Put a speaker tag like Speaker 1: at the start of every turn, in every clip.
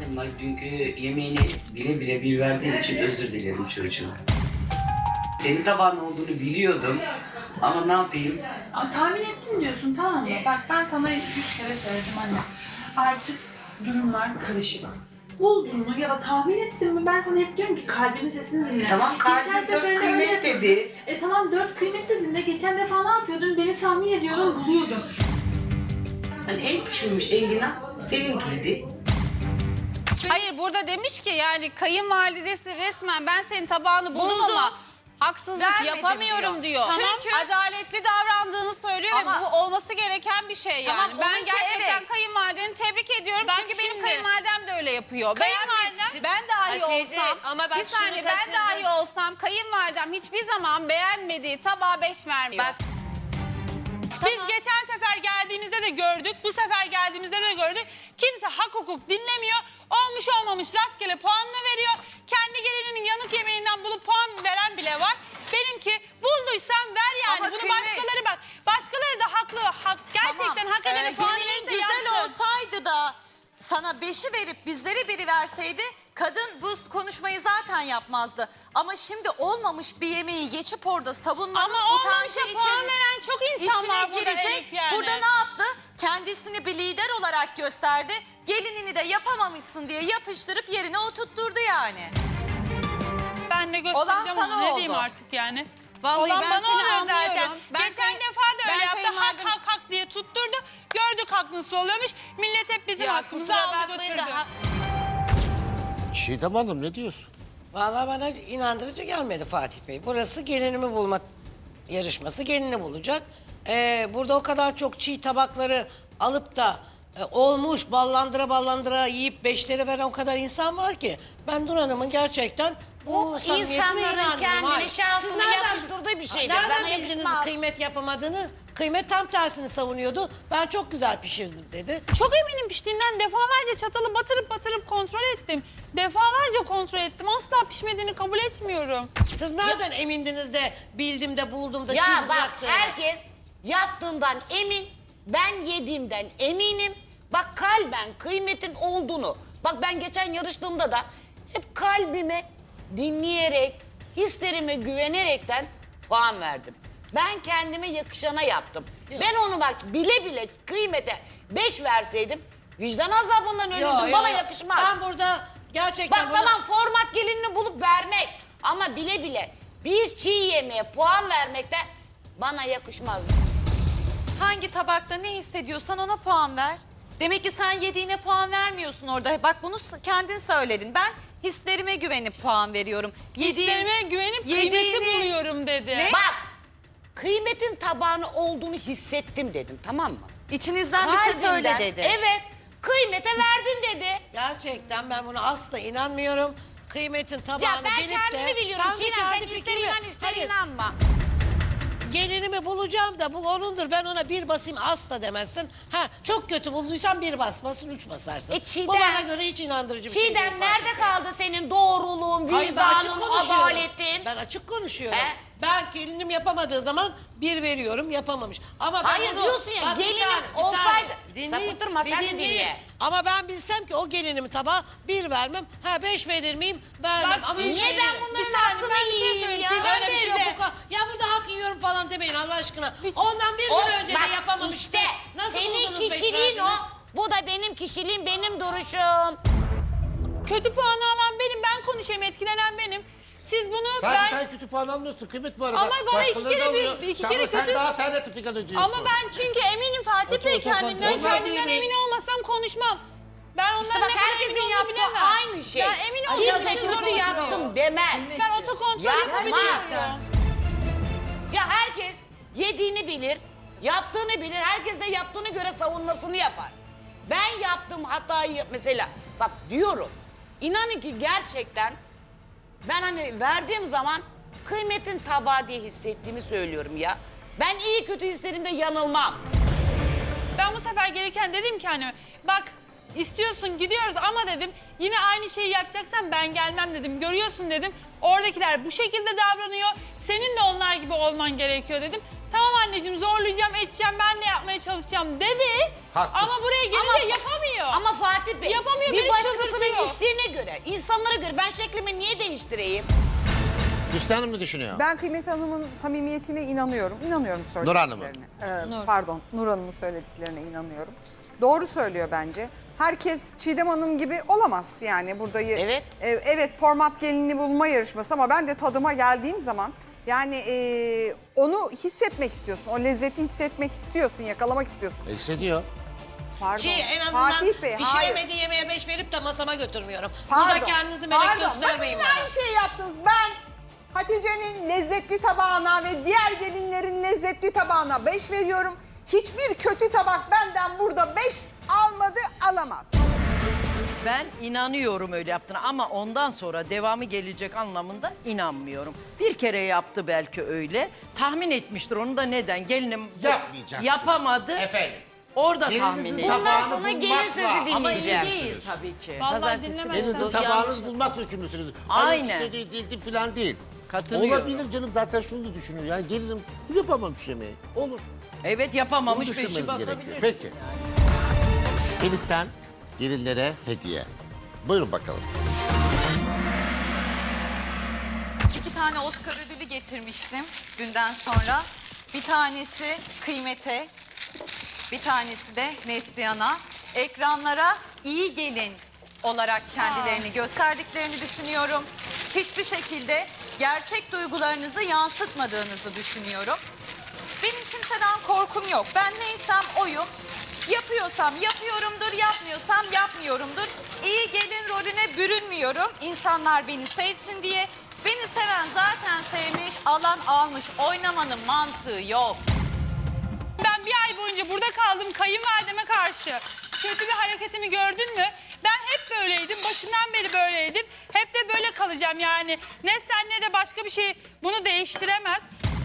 Speaker 1: adıma dünkü yemeğini bile bile bir verdiğim için özür dilerim çocuğum. Senin tabağın olduğunu biliyordum ama ne yapayım?
Speaker 2: Tahmin ettim diyorsun, tamam mı? Bak ben sana 100 kere söyledim anne. Artık durumlar karışık. Buldun mu ya da tahmin ettin mi? Ben sana hep diyorum ki kalbinin sesini dinle.
Speaker 1: Tamam, kalbin
Speaker 2: Geçen
Speaker 1: dört
Speaker 2: sefer öyle
Speaker 1: kıymet
Speaker 2: yapıyordun.
Speaker 1: dedi.
Speaker 2: Tamam 4 kıymet dedin de geçen defa ne yapıyordun? Beni tahmin ediyordun, buluyordun.
Speaker 1: Hani en pişmemiş enginar seninkiydi.
Speaker 3: Hayır burada demiş ki yani kayınvalidesi resmen ben senin tabağını buldum ama haksızlık
Speaker 2: Vermedim
Speaker 3: yapamıyorum diyor.
Speaker 2: Çünkü-
Speaker 3: Adaletli davrandığını söylüyor
Speaker 2: Ama-
Speaker 3: ve bu olması gereken bir şey yani.
Speaker 2: Tamam,
Speaker 3: Ben
Speaker 2: onunki
Speaker 3: gerçekten
Speaker 2: evet.
Speaker 3: kayınvalideni tebrik ediyorum
Speaker 2: Bak
Speaker 3: çünkü benim
Speaker 2: şimdi-
Speaker 3: kayınvalidem de öyle yapıyor.
Speaker 2: Kayınvalidem-
Speaker 3: Ben dahi
Speaker 4: Hatice,
Speaker 3: olsam,
Speaker 4: ama bak
Speaker 3: bir saniye
Speaker 4: şunu
Speaker 3: ben
Speaker 4: kaçırdın.
Speaker 3: dahi olsam kayınvalidem hiçbir zaman beğenmediği tabağa 5 vermiyor.
Speaker 4: Bak.
Speaker 5: Biz geçen sefer geldiğimizde de gördük, bu sefer geldiğimizde de gördük. Kimse hak hukuk dinlemiyor. Olmuş olmamış rastgele puanını veriyor. Kendi gelininin yanık yemeğinden bulup puan veren bile var. Benimki bulduysan ver yani.
Speaker 6: Ama
Speaker 5: Bunu
Speaker 6: kıymet-
Speaker 5: başkaları bak. Başkaları da haklı. Gerçekten hak edene puan
Speaker 6: Yemeğin
Speaker 5: verirse
Speaker 6: güzel
Speaker 5: yansın.
Speaker 6: olsaydı da sana 5'i verip bizlere biri verseydi kadın bu konuşmayı zaten yapmazdı. Ama şimdi olmamış bir yemeği geçip orada savunmanın
Speaker 5: Ama
Speaker 6: utancı
Speaker 5: olmamışa puan veren çok insan
Speaker 6: içine
Speaker 5: var burada
Speaker 6: girecek.
Speaker 5: Elif yani.
Speaker 6: Burada ne yaptı? Kendisini bir lider olarak gösterdi. Gelinini de yapamamışsın diye yapıştırıp yerine oturtturdu yani.
Speaker 5: Ben de
Speaker 6: Olan
Speaker 5: göstereceğim
Speaker 6: sana
Speaker 5: onu. Ne
Speaker 6: oldu.
Speaker 5: diyeyim artık yani.
Speaker 3: Vallahi
Speaker 5: Olan
Speaker 3: ben
Speaker 5: bana
Speaker 3: seni
Speaker 5: oluyor
Speaker 3: anlıyorum.
Speaker 5: zaten.
Speaker 3: Ben
Speaker 5: Geçen
Speaker 3: kay-
Speaker 5: defa da
Speaker 3: ben
Speaker 5: öyle yaptı. Hak
Speaker 3: kayınvalidem-
Speaker 5: hak hak diye tutturdu. Gördük haklısı oluyormuş. Millet hep bizim
Speaker 4: Ya
Speaker 5: hakkımızı
Speaker 4: kusura
Speaker 5: aldı
Speaker 4: bakmayın
Speaker 5: götürdü.
Speaker 4: da
Speaker 7: Çiğdem Hanım ne diyorsun?
Speaker 8: Vallahi bana inandırıcı gelmedi Fatih Bey. Burası gelinimi bulma yarışması. Gelini bulacak. Burada o kadar çok çiğ tabakları alıp da olmuş ballandıra yiyip 5'leri veren o kadar insan var ki. Ben Nur Hanım'ın gerçekten bu samimiyetine
Speaker 4: insanların
Speaker 8: inanmıyorum.
Speaker 4: kendini
Speaker 8: Hayır.
Speaker 4: şansını
Speaker 8: Siz nereden-
Speaker 4: yakıştırdığı bir şeydir.
Speaker 8: Nereden
Speaker 4: Bana
Speaker 8: bildiniz
Speaker 4: yakışmaz.
Speaker 8: kıymet yapamadığını? Kıymet tam tersini savunuyordu. Ben çok güzel pişirdim dedi.
Speaker 5: Çok eminim piştiğinden defalarca çatalı batırıp kontrol ettim. Defalarca kontrol ettim. Asla pişmediğini kabul etmiyorum.
Speaker 8: Siz nereden emindiniz de bildim de buldum da
Speaker 4: Ya
Speaker 8: çiğ
Speaker 4: bak
Speaker 8: bıraktığını?
Speaker 4: herkes yaptığımdan emin, ben yediğimden eminim. Bak kalben kıymetin olduğunu. Bak ben geçen yarıştığımda da hep kalbime dinleyerek, hislerime güvenerekten puan verdim. Ben kendime yakışana yaptım. Ben onu bak bile bile kıymete 5 verseydim vicdan azabından ölürdüm. Bana yakışmaz.
Speaker 8: Ben burada gerçekten...
Speaker 4: Bak tamam format gelinini bulup vermek ama bile bile bir çiğ yemeğe puan vermek de bana yakışmaz.
Speaker 6: Hangi tabakta ne hissediyorsan ona puan ver. Demek ki sen yediğine puan vermiyorsun orada. Bak bunu kendin söyledin. Ben hislerime güvenip puan veriyorum.
Speaker 5: Hislerime güvenip kıymeti
Speaker 6: yediğini-
Speaker 5: buluyorum dedi.
Speaker 6: Ne?
Speaker 4: Bak kıymetin tabağını olduğunu hissettim dedim tamam mı?
Speaker 6: İçinizden bir ses
Speaker 4: Kalbimden,
Speaker 6: öyle dedi.
Speaker 4: Evet kıymete verdin dedi.
Speaker 8: Gerçekten ben buna asla inanmıyorum. Kıymetin tabağını
Speaker 4: Ya ben
Speaker 8: bilip de...
Speaker 4: kendimi biliyorum.
Speaker 8: Ben de
Speaker 4: Çiğdem sen
Speaker 8: kendi
Speaker 4: ister
Speaker 8: fikrimi-
Speaker 4: inan ister
Speaker 8: Hayır,
Speaker 4: inanma.
Speaker 8: Gelinimi bulacağım da bu onundur. Ben ona bir basayım asla demezsin. Ha çok kötü bulduysan bir basmasın, 3 basarsın.
Speaker 4: Çiğdem-
Speaker 8: Bu bana göre hiç inandırıcı bir şey değil.
Speaker 4: Çiğdem
Speaker 8: Fatih
Speaker 4: nerede
Speaker 8: Bey.
Speaker 4: kaldı senin doğruluğun,
Speaker 8: Hayır, ben açık
Speaker 4: vicdanın,
Speaker 8: konuşuyorum.
Speaker 4: adaletin?
Speaker 8: Ben açık konuşuyorum.
Speaker 4: He?
Speaker 8: Ben gelinim yapamadığı zaman bir veriyorum, yapamamış. Ama ben
Speaker 4: Hayır
Speaker 8: onu-
Speaker 4: diyorsun ya,
Speaker 8: Bak, bir
Speaker 4: gelinim
Speaker 8: saniye, bir
Speaker 4: olsaydı-
Speaker 8: saniye. Dinleyin,
Speaker 4: Sapıtırma,
Speaker 8: bir
Speaker 4: sen de
Speaker 8: dinleyin.
Speaker 4: dinle.
Speaker 8: Ama ben bilsem ki o gelinimi tabağa bir vermem. Ha 5 verir miyim? Vermem.
Speaker 5: Bak,
Speaker 8: Ama
Speaker 5: Çiğdem,
Speaker 8: üç
Speaker 4: Niye
Speaker 8: veririm.
Speaker 4: ben bunların
Speaker 5: Bir saniye,
Speaker 4: hakkını
Speaker 5: ben bir şey
Speaker 4: yiyeyim
Speaker 5: söyleyeyim.
Speaker 4: ya?
Speaker 5: Çiğdem
Speaker 8: Öyle bir şey yok.
Speaker 5: teyze.
Speaker 8: Ya burada hak yiyorum falan demeyin Allah aşkına. Ondan bir gün önce
Speaker 4: bak,
Speaker 8: de yapamamış.
Speaker 4: İşte
Speaker 8: Nasıl
Speaker 4: senin
Speaker 8: buldunuz beş
Speaker 4: kişiliğin o.
Speaker 8: verdiniz?
Speaker 4: Bu da benim kişiliğim, benim duruşum.
Speaker 5: Kötü puanı alan benim, ben konuşayım, etkilenen benim. Siz bunu
Speaker 7: Sadece sen kötü puan almıyorsun kıymet bu arada.
Speaker 5: Ama bana iki
Speaker 7: Başkaları
Speaker 5: kere
Speaker 7: da alıyor.
Speaker 5: iki
Speaker 7: Sen-
Speaker 5: kere
Speaker 7: sen
Speaker 5: kötü-
Speaker 7: daha alternatif ediyorsun.
Speaker 5: Ama ben çünkü eminim Fatih Bey
Speaker 7: Otur, otur,
Speaker 5: kendimden.
Speaker 7: otur.
Speaker 5: Kendimden
Speaker 8: Onlar
Speaker 5: emin olmasam konuşmam. Ben onların
Speaker 4: İşte bak
Speaker 5: ne kadar
Speaker 4: herkesin
Speaker 5: emin olduğunu
Speaker 4: yaptığı
Speaker 5: bilemem.
Speaker 4: aynı şey.
Speaker 5: Ben emin
Speaker 4: Kimse
Speaker 5: olmasam
Speaker 4: kötü
Speaker 5: zorundayım.
Speaker 4: yaptım demez.
Speaker 5: Ben otokontrol
Speaker 4: Yapmaz.
Speaker 5: yapabiliyorum.
Speaker 4: Ya herkes yediğini bilir, yaptığını bilir. Herkes de yaptığını göre savunmasını yapar. Ben yaptığım hatayı mesela bak diyorum. İnanın ki gerçekten ben hani verdiğim zaman kıymetin tabağı diye hissettiğimi söylüyorum ya. Ben iyi kötü hislerimde yanılmam.
Speaker 5: Ben bu sefer gelirken dedim ki hani bak istiyorsun gidiyoruz ama dedim yine aynı şeyi yapacaksan ben gelmem dedim. Görüyorsun dedim oradakiler bu şekilde davranıyor. Senin de onlar gibi olman gerekiyor dedim. Tamam anneciğim zorlayacağım edeceğim ben de yapmaya çalışacağım dedi.
Speaker 7: Haklısın.
Speaker 5: Ama buraya gelince yapamıyor.
Speaker 4: Ama Fatih Bey
Speaker 5: Yapamıyor,
Speaker 4: bir
Speaker 5: beni
Speaker 4: başkasının
Speaker 5: çıldırtıyor.
Speaker 4: göre. İnsanlara göre. Ben şeklimi niye değiştireyim?
Speaker 7: Hüsnü Hanım ne düşünüyor?
Speaker 9: Ben Kıymet Hanım'ın samimiyetine inanıyorum. İnanıyorum
Speaker 7: Nur Hanım'ın.
Speaker 9: söylediklerine. Pardon, Nur Hanım'ın söylediklerine inanıyorum. Doğru söylüyor bence. Herkes Çiğdem Hanım gibi olamaz yani burada.
Speaker 4: Evet.
Speaker 9: Evet, format gelinini bulma yarışması ama ben de tadıma geldiğim zaman yani onu hissetmek istiyorsun. O lezzeti hissetmek istiyorsun, yakalamak istiyorsun.
Speaker 7: Hissediyor.
Speaker 9: Pardon.
Speaker 8: En azından
Speaker 9: Fatih Bey, hayır.
Speaker 8: pişiremediği yemeğe 5 verip de masama götürmüyorum.
Speaker 9: Pardon,
Speaker 8: Burada kendinizi melek
Speaker 9: pardon.
Speaker 8: göstermeyin
Speaker 9: Bakın
Speaker 8: bana.
Speaker 9: aynı şeyi yaptınız. Ben Hatice'nin lezzetli tabağına ve diğer gelinlerin lezzetli tabağına 5 veriyorum. Hiçbir kötü tabak benden burada 5 almadı, alamaz.
Speaker 10: Ben inanıyorum öyle yaptığına ama ondan sonra devamı gelecek anlamında inanmıyorum. Bir kere yaptı belki öyle. Tahmin etmiştir onu da neden? Gelinim
Speaker 7: Yapmayacaksınız.
Speaker 10: yapamadı.
Speaker 7: Efendim.
Speaker 10: Orada
Speaker 7: Gelinizin
Speaker 10: tahmin etti.
Speaker 7: tabağını
Speaker 4: sonra gelin
Speaker 7: bulmakla-
Speaker 4: sözü
Speaker 10: Ama iyi
Speaker 4: dinleyeceğim.
Speaker 10: değil tabii ki.
Speaker 5: Vallahi dinlemezsen.
Speaker 7: Gelinizin tabağını bulmakla yükümlüsünüz.
Speaker 10: Aynen.
Speaker 7: Hani işte değil falan değil.
Speaker 10: Katılıyorum.
Speaker 7: Olabilir canım, zaten şunu da düşünüyor. Yani gelinim yapamamış yemeği. Olur.
Speaker 10: Evet
Speaker 7: Bunu
Speaker 10: yapamamış
Speaker 7: düşünmeniz
Speaker 10: beşi
Speaker 7: gerekiyor.
Speaker 10: basabilir.
Speaker 7: Peki. Elif'ten gelinlere hediye. Buyurun bakalım.
Speaker 11: 2 tane Oscar ödülü getirmiştim dünden sonra. Bir tanesi Kıymet'e, bir tanesi de Neslihan'a. Ekranlara iyi gelin olarak kendilerini gösterdiklerini düşünüyorum. Hiçbir şekilde gerçek duygularınızı yansıtmadığınızı düşünüyorum. Benim kimseden korkum yok. Ben neysem oyum. Yapıyorsam yapıyorumdur, yapmıyorsam yapmıyorumdur. İyi gelin rolüne bürünmüyorum. İnsanlar beni sevsin diye. Beni seven zaten sevmiş, alan almış. Oynamanın mantığı yok.
Speaker 5: Ben bir ay boyunca burada kaldım kayınvalideme karşı. Kötü bir hareketimi gördün mü? Ben hep böyleydim. Başından beri böyleydim. Hep de böyle kalacağım yani. Ne sen ne de başka bir şey bunu değiştiremez.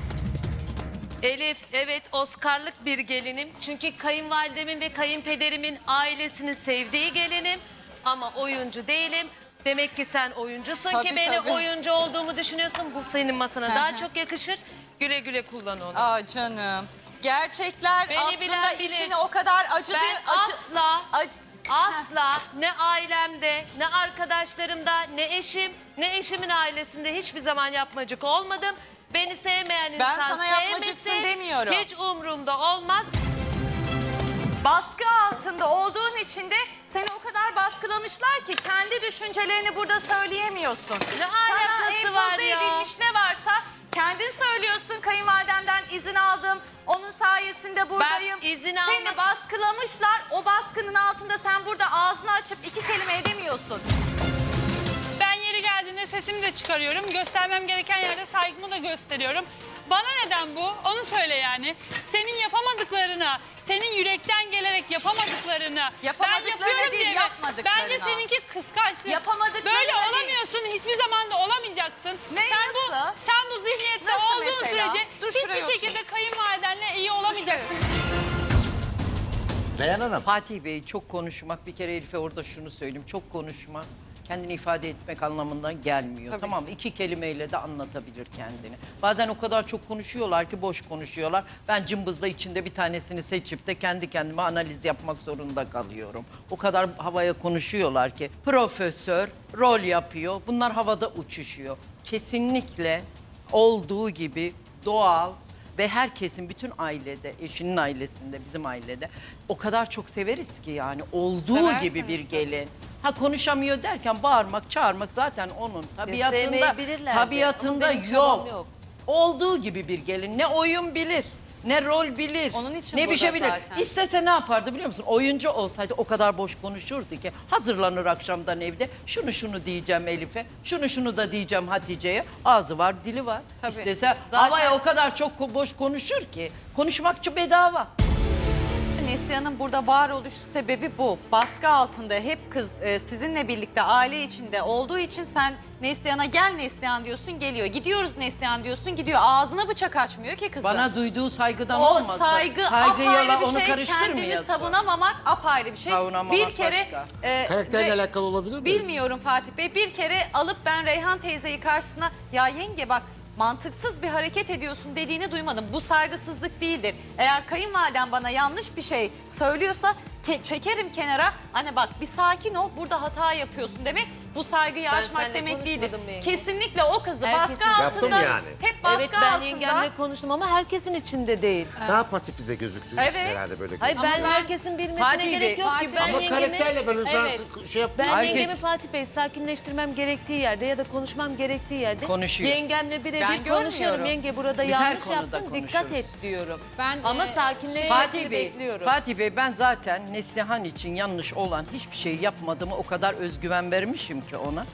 Speaker 12: Elif, evet Oscar'lık bir gelinim. Çünkü kayınvalidemin ve kayınpederimin ailesini sevdiği gelinim. Ama oyuncu değilim. Demek ki sen oyuncusun
Speaker 11: Tabii,
Speaker 12: ki beni
Speaker 11: tabii.
Speaker 12: oyuncu olduğumu düşünüyorsun. Bu senin masana daha çok yakışır. Güle güle kullan onu.
Speaker 11: Aa canım. Gerçekler
Speaker 12: Beni
Speaker 11: aslında
Speaker 12: bilen bilir.
Speaker 11: içini o kadar acıdı.
Speaker 12: Ben
Speaker 11: acı-
Speaker 12: asla ne ailemde, ne arkadaşlarımda, ne eşim, ne eşimin ailesinde hiçbir zaman yapmacık olmadım. Beni sevmeyen
Speaker 11: Ben
Speaker 12: insan
Speaker 11: sana yapmacıksın
Speaker 12: sevmesin.
Speaker 11: demiyorum.
Speaker 12: Hiç umurumda olmaz.
Speaker 11: Baskı altında olduğun için de seni o kadar baskılamışlar ki kendi düşüncelerini burada söyleyemiyorsun.
Speaker 12: Ne alakası
Speaker 11: Sana
Speaker 12: var
Speaker 11: empoze
Speaker 12: ya?
Speaker 11: edilmiş ne varsa kendin söylüyorsun. Kayınvalidemden izin aldım. Onun sayesinde buradayım.
Speaker 12: izin
Speaker 11: Seni
Speaker 12: almak-
Speaker 11: baskılamışlar. O baskının altında sen burada ağzını açıp 2 kelime edemiyorsun.
Speaker 5: Ben yeri geldiğinde sesimi de çıkarıyorum. Göstermem gereken yerde saygımı da gösteriyorum. Bana neden bu? Onu söyle yani. Senin yapamadıklarına, senin yürekten gelerek yapamadıklarını ben
Speaker 11: Yapamadıklarına
Speaker 5: yapıyorum
Speaker 11: değil,
Speaker 5: diye.
Speaker 11: yapmadıklarına.
Speaker 5: Bence seninki kıskançlık.
Speaker 11: Yapamadıklarına
Speaker 5: Böyle
Speaker 11: değil.
Speaker 5: olamıyorsun. Hiçbir zaman da olamayacaksın.
Speaker 11: Ne, nasıl?
Speaker 5: Sen bu zihniyette
Speaker 11: Nasıl
Speaker 5: olduğun
Speaker 11: mesela?
Speaker 5: sürece
Speaker 11: Dur şuraya
Speaker 5: hiçbir
Speaker 11: otur.
Speaker 5: şekilde kayınvalidenle iyi olamayacaksın.
Speaker 7: Reyhan Hanım.
Speaker 10: Fatih Bey çok konuşmak, bir kere Elif'e orada şunu söyleyeyim. Çok konuşmak kendini ifade etmek anlamından gelmiyor. Tamam mı? 2 kelimeyle de anlatabilir kendini. Bazen o kadar çok konuşuyorlar ki boş konuşuyorlar. Ben cımbızla içinde bir tanesini seçip de kendi kendime analiz yapmak zorunda kalıyorum. O kadar havaya konuşuyorlar ki. Profesör rol yapıyor. Bunlar havada uçuşuyor. Kesinlikle olduğu gibi doğal ve herkesin, bütün ailede, eşinin ailesinde, bizim ailede o kadar çok severiz ki yani olduğu
Speaker 11: Seversiniz
Speaker 10: gibi bir
Speaker 11: tabii.
Speaker 10: gelin. Ha konuşamıyor derken bağırmak, çağırmak zaten onun tabiatında,
Speaker 12: sevmeyebilirler de,
Speaker 10: tabiatında
Speaker 12: ama benim çabam
Speaker 10: yok.
Speaker 12: yok.
Speaker 10: Olduğu gibi bir gelin. Ne oyun bilir, ne rol bilir,
Speaker 11: Onun için
Speaker 10: ne bir şey
Speaker 11: burada
Speaker 10: bilir.
Speaker 11: zaten.
Speaker 10: İstese ne yapardı biliyor musun? Oyuncu olsaydı o kadar boş konuşurdu ki hazırlanır akşamdan evde. Şunu diyeceğim Elif'e, şunu da diyeceğim Hatice'ye. Ağzı var, dili var.
Speaker 11: Tabii.
Speaker 10: İstese
Speaker 11: Zaten-
Speaker 10: havaya o kadar çok boş konuşur ki. Konuşmakçı bedava.
Speaker 11: Neslihan'ın burada varoluş sebebi bu. Baskı altında hep kız sizinle birlikte aile içinde olduğu için sen Neslihan'a gel Neslihan diyorsun geliyor. Gidiyoruz Neslihan diyorsun gidiyor. Ağzına bıçak açmıyor ki kızın.
Speaker 10: Bana duyduğu saygıdan
Speaker 11: o
Speaker 10: olmasa.
Speaker 11: saygı
Speaker 10: saygıyla
Speaker 11: apayrı bir
Speaker 10: onu
Speaker 11: şey. Kendini
Speaker 10: karıştırmayasın.
Speaker 11: savunamamak apayrı bir şey.
Speaker 10: Savunamamak
Speaker 11: bir kere
Speaker 10: başka.
Speaker 7: Karakterle
Speaker 11: ve-
Speaker 7: alakalı olabilir mi?
Speaker 11: Bilmiyorum Fatih Bey. Bir kere alıp ben Reyhan teyzeyi karşısına ya yenge bak mantıksız bir hareket ediyorsun dediğini duymadım. Bu saygısızlık değildir. Eğer kayınvaliden bana yanlış bir şey söylüyorsa
Speaker 6: çekerim kenara. Hani bak bir sakin ol, burada hata yapıyorsun demek. Bu saygı yarışmak
Speaker 12: seninle
Speaker 6: demek değildir.
Speaker 12: konuşmadım yenge.
Speaker 6: Kesinlikle o kızı
Speaker 12: Herkesin-
Speaker 6: baskı
Speaker 7: Yaptım
Speaker 6: altında,
Speaker 7: yani.
Speaker 6: hep baskı
Speaker 12: Evet ben
Speaker 6: altında.
Speaker 12: yengemle konuştum ama herkesin içinde değil.
Speaker 7: Daha pasifize gözüktüğü
Speaker 6: Evet.
Speaker 7: için herhalde böyle
Speaker 12: Hayır
Speaker 7: gözüküyor.
Speaker 12: ben herkesin bilmesine
Speaker 10: Fatih
Speaker 12: gerek
Speaker 10: Bey,
Speaker 12: yok ki. Ben
Speaker 7: Ama
Speaker 12: yengemi,
Speaker 7: karakterle ben
Speaker 3: Evet.
Speaker 7: şey yaptım.
Speaker 12: ben
Speaker 10: Herkes-
Speaker 12: yengemi Fatih Bey sakinleştirmem gerektiği yerde ya da konuşmam gerektiği yerde
Speaker 10: Konuşuyor.
Speaker 12: yengemle
Speaker 6: Ben
Speaker 12: birebir konuşuyorum.
Speaker 6: görmüyorum.
Speaker 12: Yenge burada
Speaker 10: Biz her
Speaker 12: yanlış
Speaker 10: konuda
Speaker 12: yaptın dikkat
Speaker 10: konuşuruz.
Speaker 12: et diyorum.
Speaker 3: Ben,
Speaker 12: Ama
Speaker 3: e,
Speaker 12: sakinleşmesini
Speaker 10: Fatih Bey,
Speaker 12: bekliyorum.
Speaker 10: Fatih Bey ben zaten Neslihan için yanlış olan hiçbir şey yapmadığımı o kadar özgüven vermişim ki ona.